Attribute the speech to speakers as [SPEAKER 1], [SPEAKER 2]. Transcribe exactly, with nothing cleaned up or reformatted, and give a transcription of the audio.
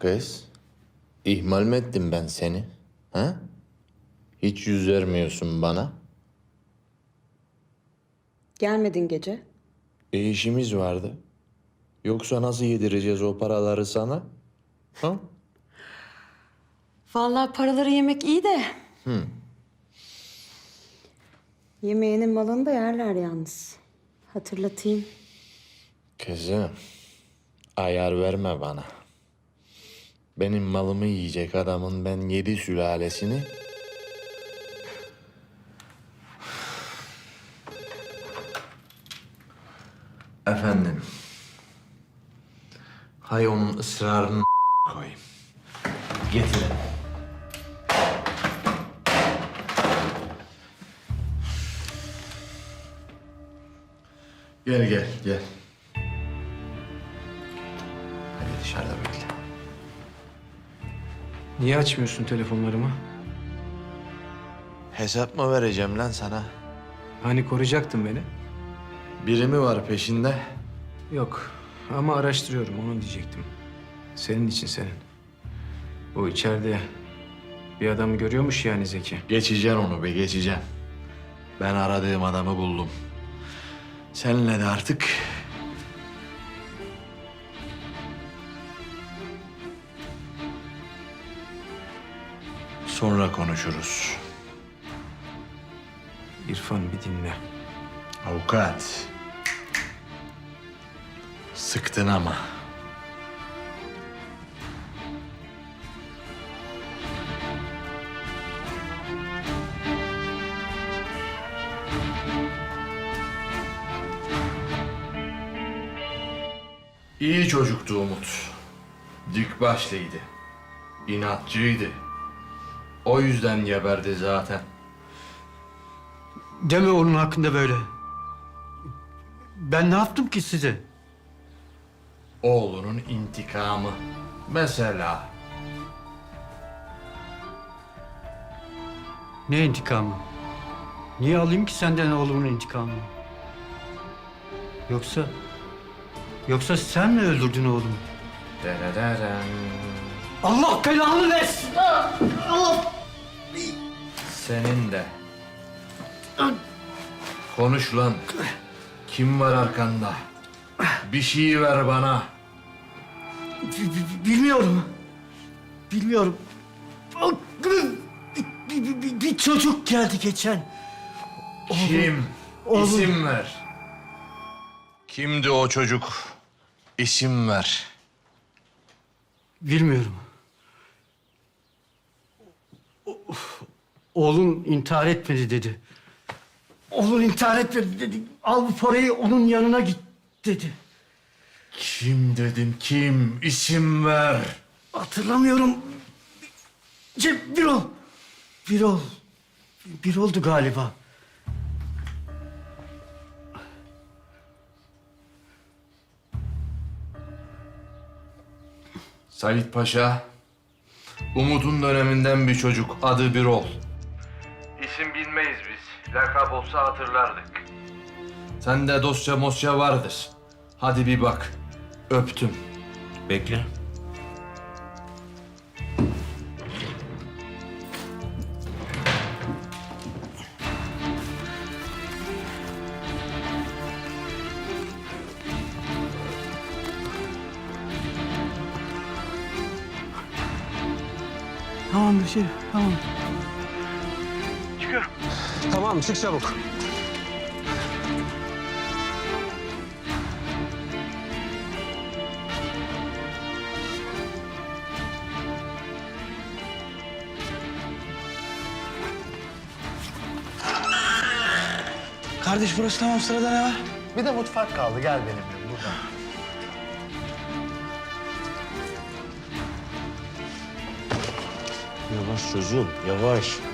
[SPEAKER 1] Kız, ihmal mi ettim ben seni? Ha? Hiç yüz vermiyorsun bana.
[SPEAKER 2] Gelmedin gece.
[SPEAKER 1] E işimiz vardı. Yoksa nasıl yedireceğiz o paraları sana? Ha?
[SPEAKER 2] Vallahi paraları yemek iyi de.
[SPEAKER 1] Hı.
[SPEAKER 2] Yemeğinin malını da yerler yalnız. Hatırlatayım.
[SPEAKER 1] Kızım, ayar verme bana. Benim malımı yiyecek adamın ben yedi sülalesini... Efendim. Hay onun ısrarını koyayım. Getirin. Gel gel gel. Hadi dışarıda bekle.
[SPEAKER 3] Niye açmıyorsun telefonlarımı?
[SPEAKER 1] Hesap mı vereceğim lan sana?
[SPEAKER 3] Hani koruyacaktın beni?
[SPEAKER 1] Biri mi var peşinde?
[SPEAKER 3] Yok ama araştırıyorum onu diyecektim. Senin için senin. Bu içeride bir adamı görüyormuş yani Zeki.
[SPEAKER 1] Geçeceğim onu be, geçeceğim. Ben aradığım adamı buldum. Seninle de artık... sonra konuşuruz.
[SPEAKER 3] İrfan bir dinle.
[SPEAKER 1] Avukat. Sıktın ama. İyi çocuktu Umut. Dik başlıydı. İnatçıydı. O yüzden geberdi zaten.
[SPEAKER 4] Deme onun hakkında böyle. Ben ne yaptım ki size?
[SPEAKER 1] Oğlunun intikamı. Mesela.
[SPEAKER 4] Ne intikamı? Niye alayım ki senden oğlumun intikamını? Yoksa... Yoksa sen mi öldürdün oğlumu?
[SPEAKER 1] Derereren.
[SPEAKER 4] Allah belanı versin! Allah!
[SPEAKER 1] Senin de. Konuş lan. Kim var arkanda? Bir şey ver bana.
[SPEAKER 4] B- b- Bilmiyorum. Bilmiyorum. Bir, bir- bir- bir çocuk geldi geçen.
[SPEAKER 1] Kim?
[SPEAKER 4] oğlum.
[SPEAKER 1] İsim ver. Kimdi o çocuk? İsim ver.
[SPEAKER 4] Bilmiyorum. O- Oğlun intihar etmedi dedi. Oğlun intihar etmedi dedi. Al bu parayı onun yanına git dedi.
[SPEAKER 1] Kim dedim kim? İsim ver.
[SPEAKER 4] Hatırlamıyorum. Ce- Birol. Birol. Birol'du galiba.
[SPEAKER 1] Sait Paşa. Umut'un döneminden bir çocuk. Adı Birol. İsim bilmeyiz biz. Lakap olsa hatırlardık. Sende dosya mosya vardır. Hadi bir bak. Öptüm. Bekle.
[SPEAKER 4] Tamam bir şey. Tamam.
[SPEAKER 5] Tamam, çık çabuk.
[SPEAKER 6] Kardeş burası tamam, sırada ne var?
[SPEAKER 7] Bir de mutfak kaldı. Gel benimle buradan.
[SPEAKER 8] Yavaş çocuğum, yavaş.